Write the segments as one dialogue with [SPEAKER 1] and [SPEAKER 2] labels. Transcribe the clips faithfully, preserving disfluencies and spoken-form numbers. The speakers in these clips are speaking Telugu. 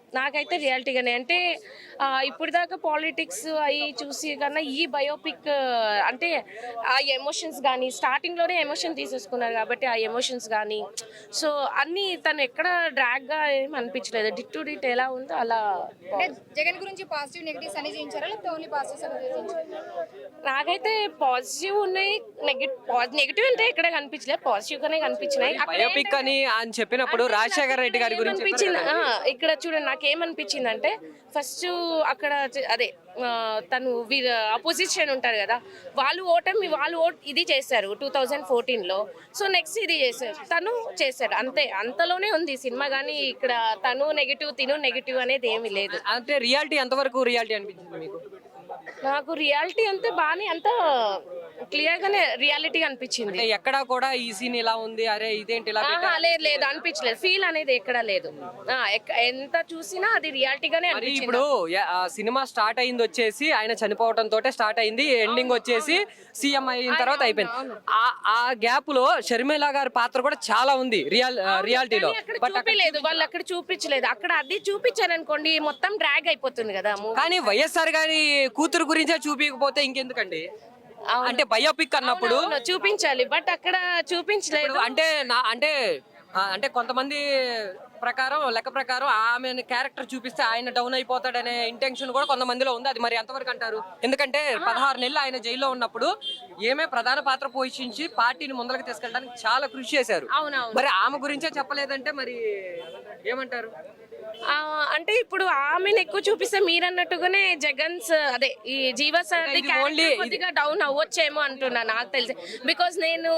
[SPEAKER 1] నాకైతే రియాలిటీగానే అంటే ఇప్పుడు దాకా పాలిటిక్స్ అవి చూసి కన్నా ఈ బయోపిక్ అంటే ఆ ఎమోషన్స్ కానీ స్టార్టింగ్లోనే ఎమోషన్ తీసేసుకున్నారు కాబట్టి ఆ ఎమోషన్స్ కానీ సో అన్నీ తను ఎక్కడ డ్రాగ్గా ఏం అనిపించలేదు. డిట్ టు డిట్ ఎలా ఉందో అలా.
[SPEAKER 2] జగన్ గురించి పాజిటివ్ నెగిటివ్స్ అని చేయించారా లేకపోతే ఓన్లీ పాజిటివ్స్?
[SPEAKER 1] నాకైతే పాజిటివ్ ఉన్నాయి, నెగిటివ్ నెగిటివ్ అంటే ఎక్కడ కనిపించలేదు, పాజిటివ్ గానే కనిపించినాయి.
[SPEAKER 3] బయోపిక్ అని అని చెప్పినప్పుడు రాజశేఖర్ రెడ్డి గారి గురించి
[SPEAKER 1] అనిపించింది. ఇక్కడ చూడండి నాకేమనిపించింది అంటే ఫస్ట్ అక్కడ అదే తను వీరు అపోజిషన్ ఉంటారు కదా, వాళ్ళు ఓటమి వాళ్ళు ఓట్ ఇది చేశారు టూ థౌజండ్ ఫోర్టీన్లో. సో నెక్స్ట్ ఇది చేశారు, తను చేశాడు, అంతే. అంతలోనే ఉంది సినిమా. కానీ ఇక్కడ తను నెగిటివ్ తిను నెగిటివ్ అనేది ఏమీ లేదు.
[SPEAKER 3] అంటే రియాలిటీ ఎంతవరకు రియాలిటీ అనిపించింది మీకు?
[SPEAKER 1] నాకు రియాలిటీ అంతే బాగానే అంత క్లియర్ గానే రియాలిటీ అనిపించింది.
[SPEAKER 3] ఎక్కడా కూడా ఈ సీన్ ఇలా ఉంది, అరే ఇదేంటి ఇలా
[SPEAKER 1] లేదు లేదు అనిపించలేదు. ఫీల్ అనేది ఎక్కడా లేదు. ఎంత చూసినా అది రియాలిటీగానే అనిపించింది.
[SPEAKER 3] ఇప్పుడు సినిమా స్టార్ట్ అయింది వచ్చేసి ఆయన చనిపోవడం తోటే స్టార్ట్ అయింది, ఎండింగ్ వచ్చేసి సీఎం అయిన తర్వాత అయిపోయింది. ఆ గ్యాప్ లో షర్మిల గారి పాత్ర కూడా చాలా ఉంది రియల్ రియాలిటీలో.
[SPEAKER 1] చూపించలేదు వాళ్ళు, అక్కడ చూపించలేదు. అక్కడ అది చూపించారనుకోండి మొత్తం డ్రాగ్ అయిపోతుంది కదా.
[SPEAKER 3] కానీ వైఎస్ఆర్ గారి కూతురు గురించే చూపించకపోతే ఇంకెందుకండి? అంటే బయోపిక్ అన్నప్పుడు
[SPEAKER 1] చూపించాలి, బట్ అక్కడ చూపించలేదు.
[SPEAKER 3] అంటే నా అంటే అంటే కొంతమంది ప్రకారం లెక్క ప్రకారం ఆమె క్యారెక్టర్ చూపిస్తే ఆయన డౌన్ అయిపోతాడనే ఇంటెన్షన్ కూడా కొంతమందిలో ఉంది. అది మరి ఎంతవరకు అంటారు? ఎందుకంటే పదహారు నెలలు ఆయన జైల్లో ఉన్నప్పుడు ఏమే ప్రధాన పాత్ర పోషించి పార్టీని ముందరకు తీసుకెళ్ళడానికి చాలా కృషి చేశారు. మరి ఆమె గురించే చెప్పలేదంటే మరి ఏమంటారు?
[SPEAKER 1] అంటే ఇప్పుడు ఆమెను ఎక్కువ చూపిస్తే మీరన్నట్టుగానే జగన్స్ అదే ఈ జీవ సార్ కొద్దిగా డౌన్ అవ్వచ్చేమో అంటున్నా నాకు తెలిసి. బికాస్ నేను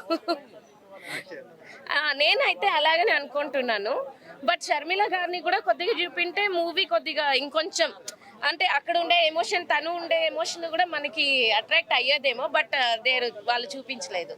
[SPEAKER 1] నేనైతే అలాగనే అనుకుంటున్నాను. బట్ షర్మిల గారిని కూడా కొద్దిగా చూపింటే మూవీ కొద్దిగా ఇంకొంచెం అంటే అక్కడ ఉండే ఎమోషన్, తను ఉండే ఎమోషన్ కూడా మనకి అట్రాక్ట్ అయ్యేదేమో. బట్ దేర్ వాళ్ళు చూపించలేదు.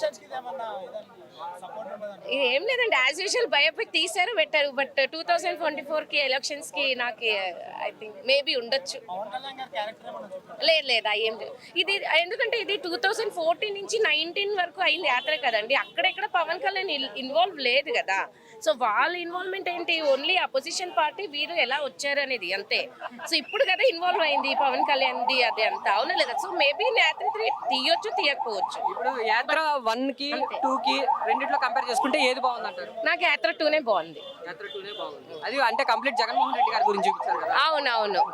[SPEAKER 1] ఏం లేదండి, యాజ్ యూజువల్ బయోపిక్ తీశారు పెట్టారు. But two thousand twenty four కి ఎలక్షన్స్ కి నాకు ఐ థింక్ మేబీ ఉండొచ్చు. లేదు లేదు అయ్యేం లేదు. ఇది ఎందుకంటే ఇది టూ థౌజండ్ ఫోర్టీన్ నుంచి నైన్టీన్ వరకు అయింది యాత్ర కదండి. అక్కడెక్కడ పవన్ కళ్యాణ్ ఇన్వాల్వ్ లేదు కదా. సో వాళ్ళ ఇన్వాల్వ్మెంట్ ఏంటి? ఓన్లీ అపోజిషన్ పార్టీ వీరు ఎలా వచ్చారు అనేది అంతే. సో ఇప్పుడు కదా ఇన్వాల్వ్ అయింది పవన్ కళ్యాణ్ ది అది అంతా, అవునా లేదా? సో మేబీ యాత్ర త్రీ తీయొచ్చు తీయకపోవచ్చు.
[SPEAKER 3] ఇప్పుడు యాత్ర వన్ కి టూ కి రెండిట్లో కంపేర్ చేసుకుంటే ఏది బాగుంది అంటారు?
[SPEAKER 1] నాకు యాత్ర టూనే బాగుంది.
[SPEAKER 3] యాత్ర టూనే బాగుంది. అది అంటే కంప్లీట్ జగన్మోహన్ రెడ్డి గారి గురించి చూపించారు కదా.
[SPEAKER 1] అవునవును.